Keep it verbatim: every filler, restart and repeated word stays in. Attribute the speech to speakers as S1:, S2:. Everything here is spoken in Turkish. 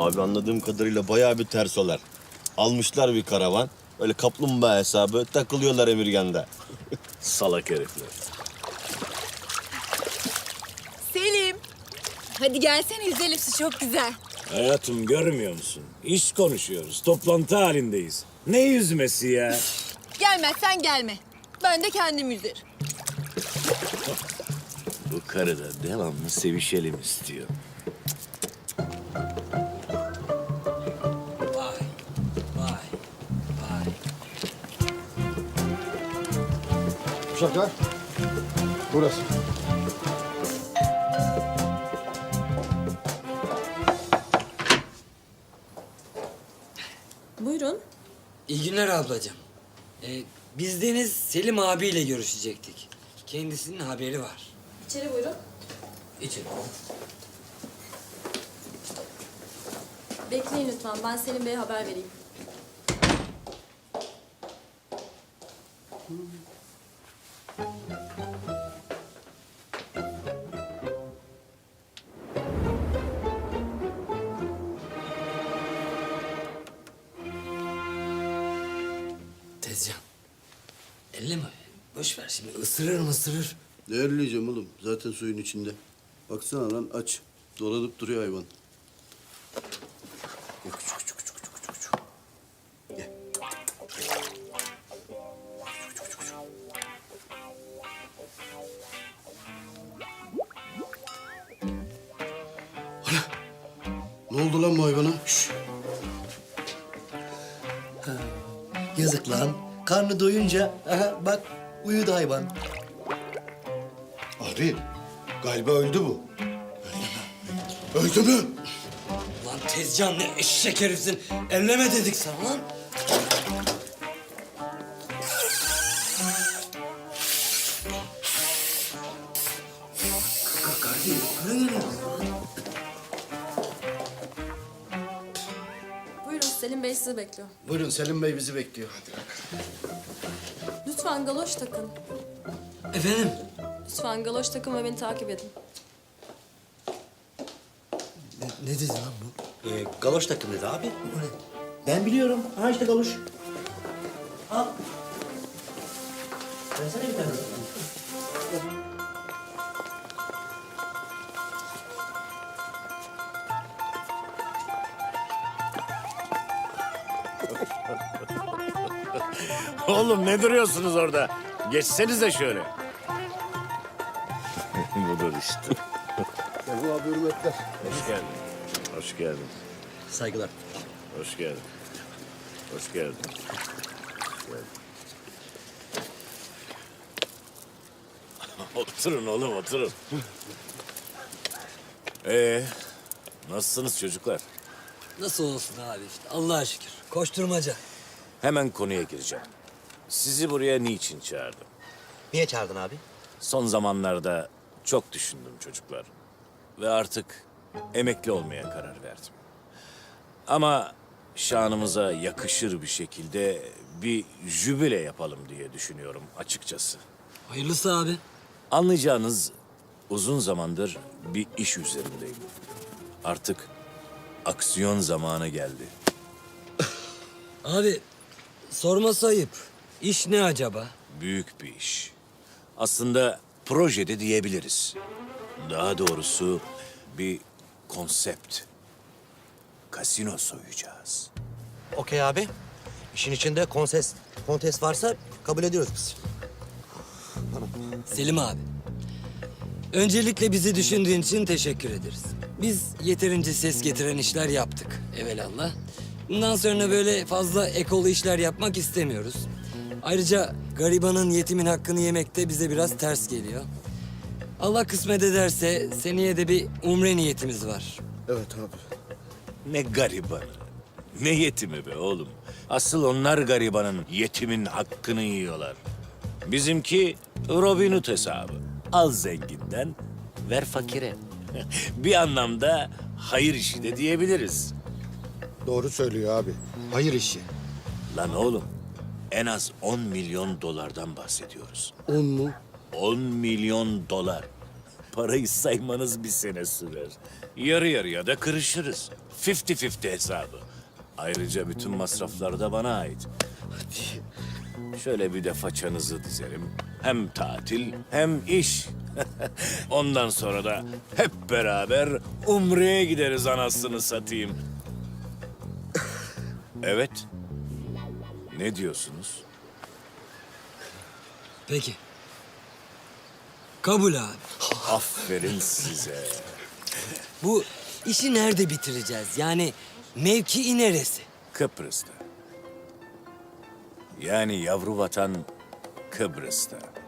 S1: Abi anladığım kadarıyla bayağı bir tersolar. Almışlar bir karavan. Öyle kaplumbağa hesabı takılıyorlar Emirgan'da. Salak herifler.
S2: Selim. Hadi gelsene yüzelim, su çok güzel.
S3: Hayatım görmüyor musun? İş konuşuyoruz. Toplantı halindeyiz. Ne yüzmesi ya?
S2: Gelmezsen gelme. Ben de kendim yüzerim.
S1: Bu karı da devamlı sevişelim istiyor.
S4: Vay, vay, vay.
S5: Uşaklar, burası.
S6: Buyurun.
S4: İyi günler ablacığım. Ee, biz Deniz Selim abiyle görüşecektik. Kendisinin haberi var.
S6: İçeri buyurun.
S4: İçin.
S6: Bekleyin lütfen. Ben Selim Bey'e haber vereyim.
S4: Tezcan. Elleme. Boş ver şimdi. Isırır mı ısırır.
S5: Değerleyeceğim oğlum. Zaten suyun içinde. Baksana lan aç. Dolanıp duruyor hayvan. Gel küçük küçük küçük küçük küçük, küçük. Gel. Küçük, küçük, küçük. Ana! Ne oldu lan bu hayvana? Şş.
S7: Yazık lan. Karnı doyunca aha bak uyudu hayvan.
S5: Abi galiba öldü bu. Öldü mü?
S4: Lan Tezcan ne eşek herifsin. Elleme dedik sana lan. Kardeşim, buraya geliyor.
S6: Buyurun, Selim Bey sizi bekliyor.
S5: Buyurun Selim Bey bizi bekliyor.
S6: Lütfen galoş takın.
S4: Efendim?
S6: Lütfen galoş takın ve beni takip edin.
S7: Ne, ne dedi lan bu? Ee, galoş takım dedi abi. O ne? Ben biliyorum. Ha işte galoş. Al. Versene bir tane.
S3: Oğlum ne duruyorsunuz orada? Geçsenize şöyle.
S1: Budur işte.
S5: Selim abi hürmetler.
S3: Hoş geldin. Hoş geldin.
S7: Saygılar.
S3: Hoş geldin. Hoş geldin. Hoş geldin. Oturun oğlum oturun. Ee, nasılsınız çocuklar?
S4: Nasıl olsun abi işte. Allah'a şükür. Koşturmaca.
S3: Hemen konuya gireceğim. Sizi buraya niçin çağırdım?
S7: Niye çağırdın abi?
S3: Son zamanlarda çok düşündüm çocuklar. Ve artık emekli olmaya karar verdim. Ama şanımıza yakışır bir şekilde bir jübile yapalım diye düşünüyorum açıkçası.
S4: Hayırlısı abi.
S3: Anlayacağınız uzun zamandır bir iş üzerindeyim. Artık aksiyon zamanı geldi.
S4: Abi sorması ayıp. İş ne acaba?
S3: Büyük bir iş. Aslında projede diyebiliriz. Daha doğrusu bir konsept. Kasino soyacağız.
S7: Okey abi. İşin içinde konses, kontes varsa kabul ediyoruz biz.
S4: Selim abi. Öncelikle bizi düşündüğün için teşekkür ederiz. Biz yeterince ses getiren işler yaptık evelallah. Bundan sonra böyle fazla ekolu işler yapmak istemiyoruz. Ayrıca garibanın, yetimin hakkını yemek de bize biraz ters geliyor. Allah kısmet ederse seneye de bir umre niyetimiz var.
S5: Evet abi.
S3: Ne garibanı, ne yetimi be oğlum. Asıl onlar garibanın, yetimin hakkını yiyorlar. Bizimki Robin Hood hesabı. Al zenginden, ver fakire. Bir anlamda hayır işi de diyebiliriz.
S5: Doğru söylüyor abi. Hayır işi.
S3: Lan oğlum, en az on milyon dolardan bahsediyoruz.
S5: On mu?
S3: on milyon dolar. parayı saymanız bir sene sürer. Yarı yarıya da kırışırız. Fifty fifty hesabı. Ayrıca bütün masraflar da bana ait. Şöyle bir de façanızı dizerim. Hem tatil hem iş. Ondan sonra da hep beraber Umre'ye gideriz anasını satayım. Evet. Ne diyorsunuz?
S4: Peki. Kabul abi.
S3: Aferin size.
S4: Bu işi nerede bitireceğiz? Yani mevkii neresi?
S3: Kıbrıs'ta. Yani yavru vatan Kıbrıs'ta.